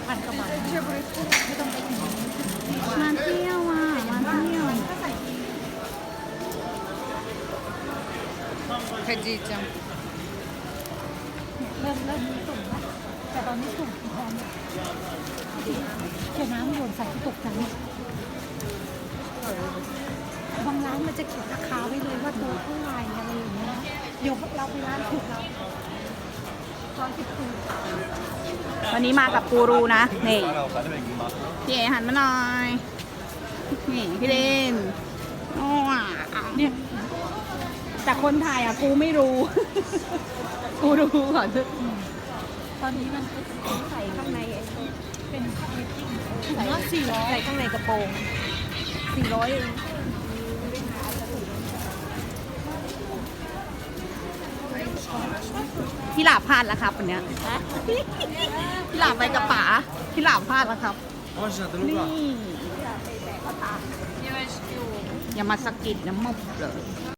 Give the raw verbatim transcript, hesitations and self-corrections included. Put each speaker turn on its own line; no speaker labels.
พันกว่าบาทไม่ต้องไปถึง
มาเที่ยวอ่ะมาเที่ยวใครจีจัง
เริ่มเริ่มมีตุ่มแล้วแต่ตอนนี้ตุ่มพร้อมเขียนน้ำโยนใส่ตกใจบางร้านมันจะเขียนราคาไว้เลยว่าตัวเท่าไหร่อะไรอย่างเงี้ยเดี๋ยวเราไปร้านถูกเราร้อยสิบสี่
วันนี้มากับกูรูนะนี่พี่เอหันมาหน่อยนี่พี่เลนโอ้อ่ะเนี่ยแต่คนถ่ายอ่ะกูไม่รู้ กูรู้ก่อน
ตอนนี้มันใส่ข้างในเป็นถุงละสี่ร้อย
ใส่ข้างในกระโปรงสี่ร้อยเองพี่หลาบพลาดแล้วครับวันเนี้ยพี่หลาบไปกับป๋าพี่หลาบพลาดแล้วครับนี่อย่ามาสะกิดน้ำมุกเลย